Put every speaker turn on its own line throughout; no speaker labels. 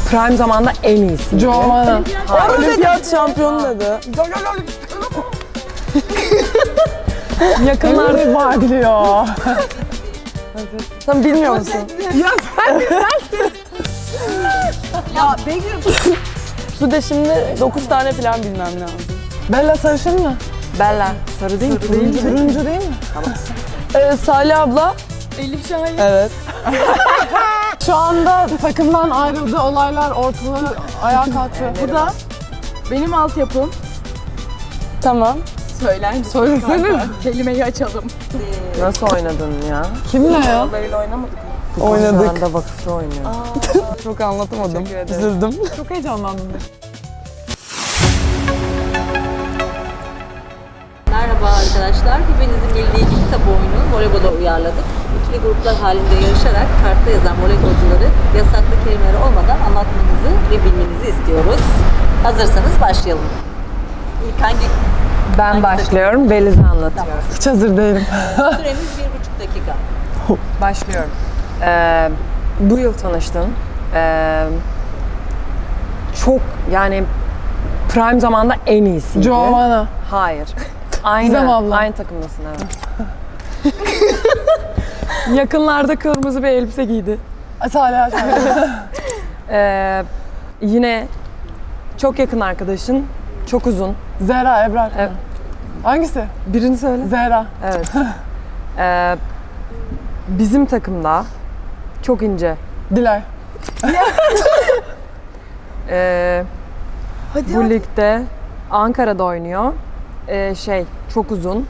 Prime zamanda en iyisi.
Giovanna.
Olimpiyat şampiyonu dedi.
Yakınlarda
var diyor.
Sen bilmiyor musun?
Ya Begüm.
Sude şimdi 9 tane falan bilmem lazım.
Bella sarışın mı?
Bella. Sarı değil mi? Turuncu.
Turuncu değil mi?
Salih abla.
Elif Şahin.
Evet.
Şu anda takımdan ayrıldı, olaylar ortalığı ayağa kalktı.
Bu da benim altyapım.
Tamam.
Söyler misin?
Söylesene.
Kelimeyi açalım.
Nasıl oynadın ya?
Kimle ya?
Böyle oynamadık mı?
Oynadık.
Şu anda vakıfta oynuyor.
Çok anlatamadım.
Teşekkür ederim.
Üzüldüm.
Çok heyecanlandım.
Merhaba arkadaşlar. Hepinizin bildiği gibi tabu oyunu voleybola uyarladık. İkili gruplar halinde yarışarak kartta yazan voleybolcuları yasaklı kelimeleri olmadan anlatmanızı ve bilmenizi istiyoruz. Hazırsanız başlayalım. İlk hangi
Ben başlıyorum, Beliz'i anlatıyor.
Hiç hazır değilim.
süremiz 1,5 dakika.
Başlıyorum. Bu yıl tanıştım. Çok yani Prime zamanda en iyisiydi.
Giovanna.
Hayır.
Gizem abla.
Aynı takımdasın evet. Yakınlarda kırmızı bir elbise giydi.
Salih.
Yine çok yakın arkadaşın, çok uzun.
Zehra, Ebrar.
Evet.
Hangisi?
Birini söyle.
Zehra.
Evet. Bizim takımda çok ince.
Dilay.
Bu ligde Ankara'da oynuyor. Çok uzun.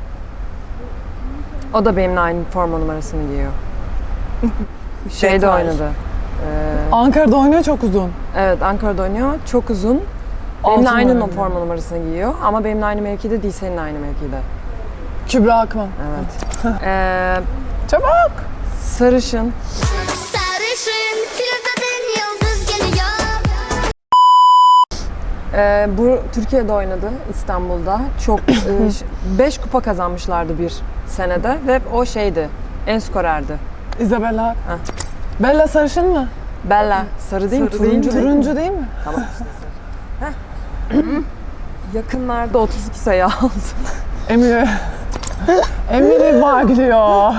O da benimle aynı forma numarasını giyiyor. Şeyde
Detay.
oynadı.
Ankara'da oynuyor, çok uzun.
Evet, Ankara'da oynuyor. Çok uzun.
Altın
Benimle aynı
oynuyor.
forma numarasını giyiyor ama benimle aynı mevkide değil, seninle aynı mevkide.
Kübra Akman.
Evet.
Çabuk.
Sarışın.
Sarışın filtreden yıldız geliyor.
Bu Türkiye'de oynadı, İstanbul'da. Çok 5 kupa kazanmışlardı bir senede ve o şeydi, en skorerdi.
Isabella. Bella sarışın mı?
Bella, sarı değil mi? Turuncu değil mi?
Turuncu değil mi?
Tamam işte sarı. Yakınlarda 32 sayı aldı.
Emine. Emine var diyor.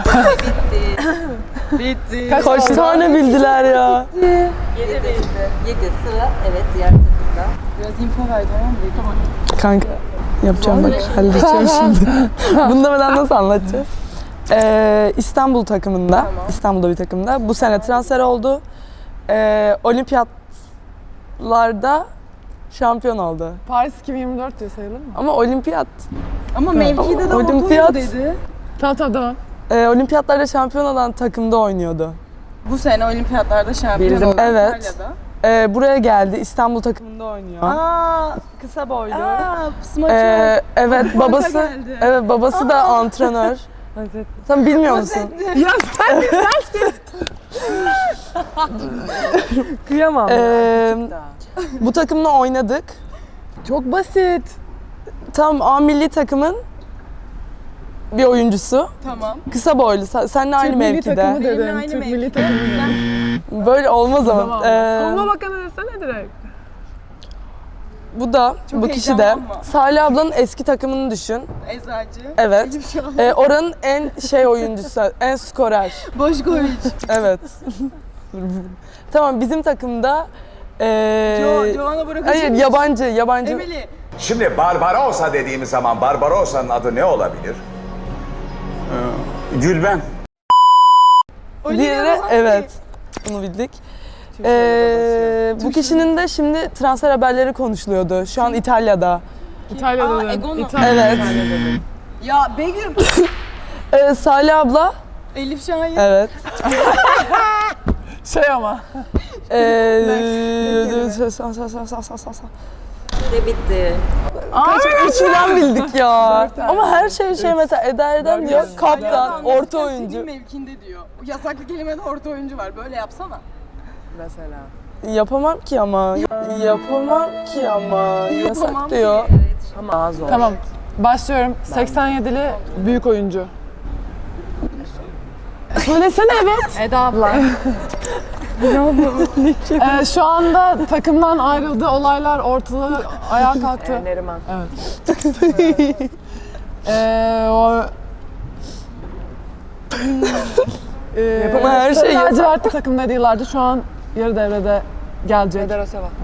Bitti.
Kaç tane bildiler ya?
7 bildi. 7 sıra. Evet, diğer takımda.
Biraz info ver tamam mı?
Kanka yapacağım bak. Halledeceğim şimdi. Bunu demeden nasıl anlatacağız? İstanbul takımında, İstanbul'da bir takımda. Bu sene transfer oldu. Olimpiyatlarda şampiyon oldu.
Paris 2024 diyor, sayılır mı?
Ama olimpiyat.
Ama mevkide de
Olimpiyat.
orta dedi.
Tamam.
Olimpiyatlarda şampiyon olan takımda oynuyordu.
Bu sene olimpiyatlarda şampiyon
Bildim.
oldu
Evet.
Antalya'da.
Buraya geldi. İstanbul takımında oynuyor.
Kısa boylu. Smaçı.
Evet babası.
geldi.
Evet babası da antrenör. Sen bilmiyor musun?
Ya sen
Kıyamam.
Bu takımla oynadık.
çok basit.
Tam A milli takımın bir oyuncusu.
Tamam.
Kısa boylu. Seninle aynı
Türk milli
mevkide.
takımı
Benimle
dedim.
aynı
Türk milli
mevkide.
takımı.
Böyle olmaz ama.
Tamam. Savunma bakanı desene direkt.
Bu da,
Çok
bu kişi de.
heyecanlanma.
Salih ablanın eski takımını düşün.
Eczacı.
Evet. Oranın en oyuncusu, en skorer.
Boşkoviç.
Evet. Tamam bizim takımda
Giovanna Bırakıcı.
hayır yabancı.
Emily.
Şimdi Barbarossa dediğimiz zaman Barbarossa'nın adı ne olabilir? Gülben.
Diğeri evet. Bunu bildik. Bu kişinin de şimdi transfer haberleri konuşuluyordu. Şu an İtalya'da.
İtalya'da dedim.
Egono.
Evet.
Ya Begüm.
Salih abla.
Elif Şahin.
Evet.
Şey ama.
Süre bitti.
Üç falan bildik ya. Ama her şey mesela Eda Erdem diyor. Kaptan, orta
Senin
oyuncu.
mevkinde diyor. Yasaklı kelimede orta oyuncu var. Böyle yapsana.
Mesela.
Yapamam ki ama. Yasak diyor.
Ama az oldu.
Tamam. Başlıyorum. 87'li büyük oyuncu. Söylesene evet.
Eda abla.
Şu anda takımdan ayrıldı. Olaylar ortalığı ayağa kalktı.
Neriman.
O
Ama her şey yasak.
lacivertli takımda yıllardı. Şu an yarı devrede gelecek.
Federasyon var.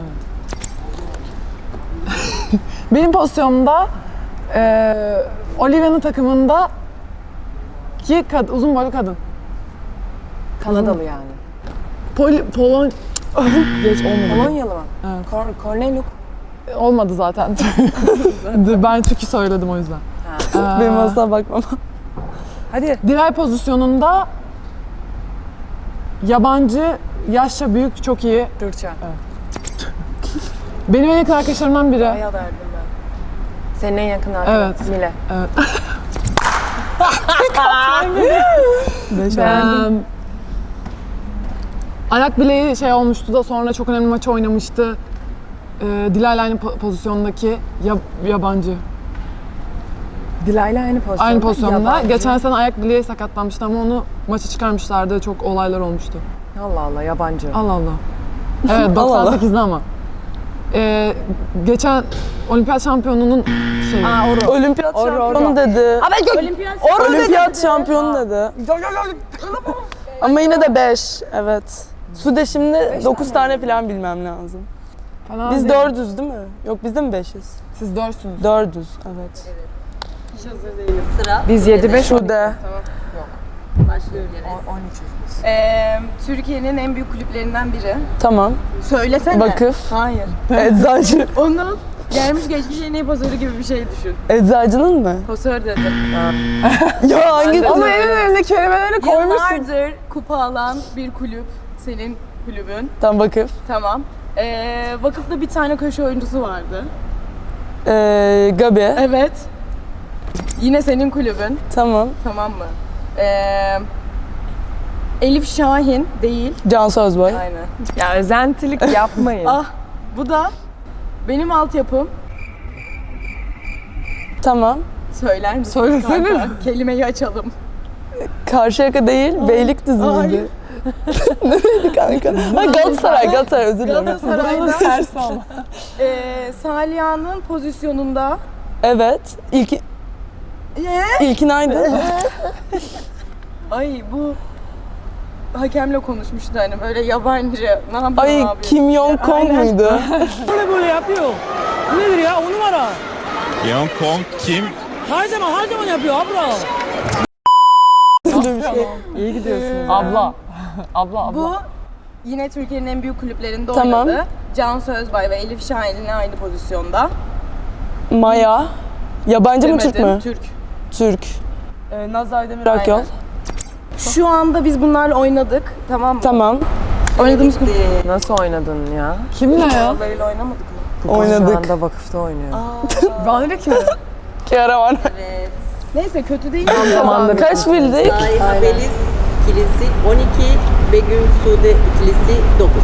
Benim pozisyonumda Olivia'nın takımında ki uzun boylu kadın.
Kanadalı yani.
Polon geç olmadı.
Polonyalı mı?
Evet.
Korneluk.
Olmadı zaten. Ben çünkü söyledim o yüzden.
Benim asla bakmam.
Hadi.
Diğer pozisyonunda yabancı, yaşça büyük, çok iyi.
Türkçe.
Benim en yakın arkadaşlarımdan biri.
Bayağı verdim ben. Senin en yakın arkadaşın.
Evet.
Mile.
Ayak bileği şey olmuştu da sonra çok önemli maç oynamıştı. Dilay'la aynı pozisyondaki yabancı.
Dilay'la aynı pozisyonda.
Aynı pozisyonda.
Yabancı.
Geçen sene ayak bileği sakatlanmıştı ama onu maça çıkarmışlardı. Çok olaylar olmuştu.
Allah Allah yabancı.
Allah Allah. Evet
Allah Allah.
98'de ama. Geçen olimpiyat şampiyonunun şeyi.
Olimpiyat şampiyonu dedi. Olimpiyat şampiyonu dedi. Ama yine de 5. Evet. Sude şimdi 9 tane falan bilmem lazım.
Fena
Biz
değil.
4'üz değil mi? Yok biz de mi 5'iz?
Siz 4'sünüz.
4'üz evet.
Sıra
Biz 7-5
Sude.
başlıyoruz.
13'üz.
Türkiye'nin en büyük kulüplerinden biri.
Tamam.
Söylesene.
Vakıf.
Hayır.
Eczacı.
Onun gelmiş geçmiş en iyi pasörü gibi bir şey düşün.
Eczacının mı?
Pasör dedim.
Ya hangi
Ama en önemli kelimelerini koymuşsun.
Yıllardır kupa alan bir kulüp. Senin kulübün.
Tam vakıf.
Tamam. Vakıfta bir tane köşe oyuncusu vardı.
Gabi.
Evet. Yine senin kulübün.
Tamam.
Tamam mı? Elif Şahin değil.
Can Sözboy.
Aynen.
Ya özentilik yapmayın.
Ah, bu da benim altyapım.
Tamam.
Söyler misin?
Söylesene.
kanka? Kelimeyi açalım.
Karşıyaka değil, Beylikdüzü'ydü.
Hayır.
Nereydi kanka? Ha, Galatasaray özür dilerim.
Galatasaray'da
Ters ama.
Saliha'nın pozisyonunda.
Evet. İlkin Aydın.
Ay bu hakemle konuşmuştu hani böyle yabancı. Ne yapıyor
Ay
abi?
Kim Jong-kong muydu?
Young Kong kim?
Böyle bir şey.
İyi gidiyorsunuz.
Abla. Abla.
Bu yine Türkiye'nin en büyük kulüplerinde
Tamam.
oynadı. Can Sözbay ve Elif Şahin'le aynı pozisyonda.
Maya. Yabancı mı Türk
Demedim,
mü?
Türk.
Türk. Nazar Demir Akyol.
Aynen. Şu anda biz bunlarla oynadık, tamam mı?
Tamam.
Oynadığımız kulüp.
Nasıl oynadın ya?
Kimle ya?
Böyle oynamadık mı?
Oynadık.
Şu anda vakıfta oynuyor.
Bana kim?
Kiara var.
Evet.
Neyse kötü değil.
Zamanda
Kaç bildik?
Saima Beliz ikilisi 12, Begüm Sude ikilisi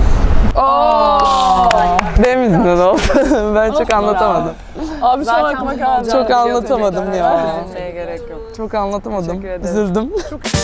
9.
Benim yüzümden oldu. Ben çok anlatamadım.
Abi şu an aklıma geldi.
Çok anlatamadım ya.
Üzülmeye gerek yok.
Çok anlatamadım.
Teşekkür ederim.
Üzüldüm.